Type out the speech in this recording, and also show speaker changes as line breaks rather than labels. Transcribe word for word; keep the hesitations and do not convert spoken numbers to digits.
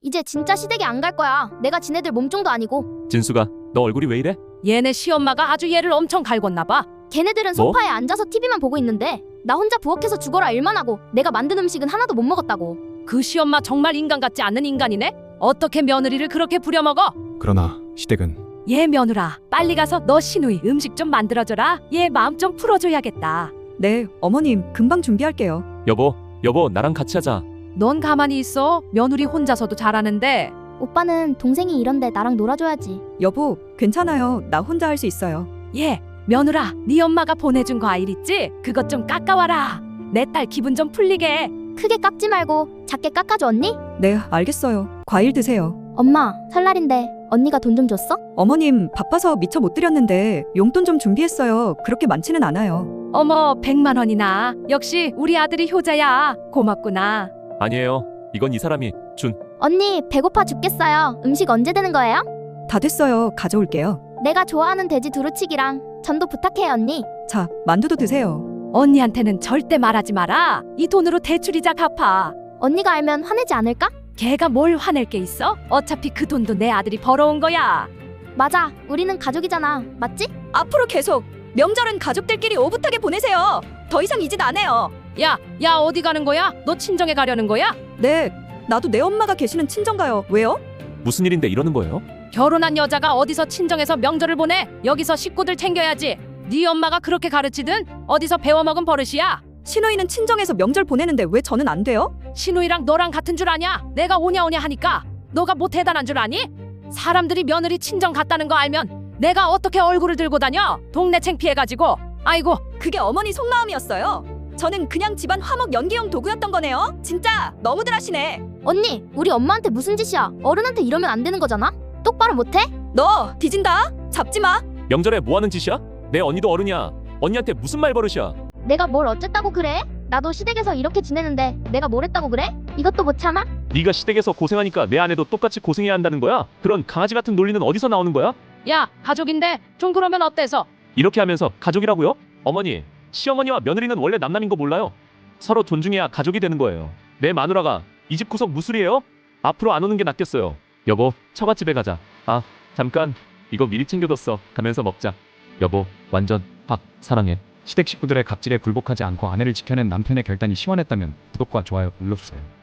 이제 진짜 시댁에 안 갈 거야. 내가 지네들 몸종도 아니고.
진수가 너 얼굴이 왜 이래?
얘네 시엄마가 아주 얘를 엄청 갈궜나 봐.
걔네들은
뭐?
소파에 앉아서 티비만 보고 있는데 나 혼자 부엌에서 죽어라 일만 하고 내가 만든 음식은 하나도 못 먹었다고.
그 시엄마 정말 인간 같지 않은 인간이네. 어떻게 며느리를 그렇게 부려먹어?
그러나 시댁은
얘 며느라, 빨리 가서 너 시누이 음식 좀 만들어줘라. 얘 마음 좀 풀어줘야겠다.
네, 어머님 금방 준비할게요.
여보 여보 나랑 같이 하자.
넌 가만히 있어. 며느리 혼자서도 잘하는데.
오빠는 동생이 이런데 나랑 놀아줘야지.
여보, 괜찮아요. 나 혼자 할 수 있어요.
얘 며느라, 네 엄마가 보내준 과일 있지? 그것 좀 깎아와라. 내 딸 기분 좀 풀리게.
크게 깎지 말고 작게 깎아줘 언니?
네, 알겠어요. 과일 드세요.
엄마 설날인데 언니가 돈 좀 줬어?
어머님 바빠서 미처 못 드렸는데 용돈 좀 준비했어요. 그렇게 많지는 않아요.
어머, 백만 원이나. 역시 우리 아들이 효자야. 고맙구나.
아니에요. 이건 이 사람이 준.
언니 배고파 죽겠어요. 음식 언제 되는 거예요?
다 됐어요. 가져올게요.
내가 좋아하는 돼지 두루치기랑 전도 부탁해 언니.
자, 만두도 드세요.
언니한테는 절대 말하지 마라. 이 돈으로 대출이자 갚아.
언니가 알면 화내지 않을까?
걔가 뭘 화낼 게 있어? 어차피 그 돈도 내 아들이 벌어온 거야.
맞아. 우리는 가족이잖아. 맞지?
앞으로 계속 명절은 가족들끼리 오붓하게 보내세요. 더 이상 이 짓 안 해요.
야, 야 어디 가는 거야? 너 친정에 가려는 거야?
네, 나도 내 엄마가 계시는 친정 가요. 왜요?
무슨 일인데 이러는 거예요?
결혼한 여자가 어디서 친정에서 명절을 보내? 여기서 식구들 챙겨야지. 네 엄마가 그렇게 가르치든 어디서 배워먹은 버릇이야.
시누이는 친정에서 명절 보내는데 왜 저는 안 돼요?
신우이랑 너랑 같은 줄 아냐? 내가 오냐 오냐 하니까. 너가 뭐 대단한 줄 아니? 사람들이 며느리 친정 갔다는 거 알면 내가 어떻게 얼굴을 들고 다녀? 동네 창피해가지고. 아이고,
그게 어머니 속마음이었어요. 저는 그냥 집안 화목 연기용 도구였던 거네요. 진짜 너무들 하시네.
언니 우리 엄마한테 무슨 짓이야? 어른한테 이러면 안 되는 거잖아? 똑바로 못해?
너 뒤진다. 잡지 마.
명절에 뭐 하는 짓이야? 내 언니도 어른이야. 언니한테 무슨 말버릇이야?
내가 뭘 어쨌다고 그래? 나도 시댁에서 이렇게 지내는데 내가 뭘 했다고 그래? 이것도 못 참아?
네가 시댁에서 고생하니까 내 아내도 똑같이 고생해야 한다는 거야? 그런 강아지 같은 논리는 어디서 나오는 거야?
야 가족인데 좀 그러면 어때서?
이렇게 하면서 가족이라고요? 어머니, 시어머니와 며느리는 원래 남남인 거 몰라요? 서로 존중해야 가족이 되는 거예요. 내 마누라가 이 집 구석 무술이에요? 앞으로 안 오는 게 낫겠어요. 여보, 처갓집에 가자. 아, 잠깐. 이거 미리 챙겨뒀어. 가면서 먹자. 여보, 완전 확 사랑해.
시댁 식구들의 갑질에 굴복하지 않고 아내를 지켜낸 남편의 결단이 시원했다면 구독과 좋아요 눌러주세요.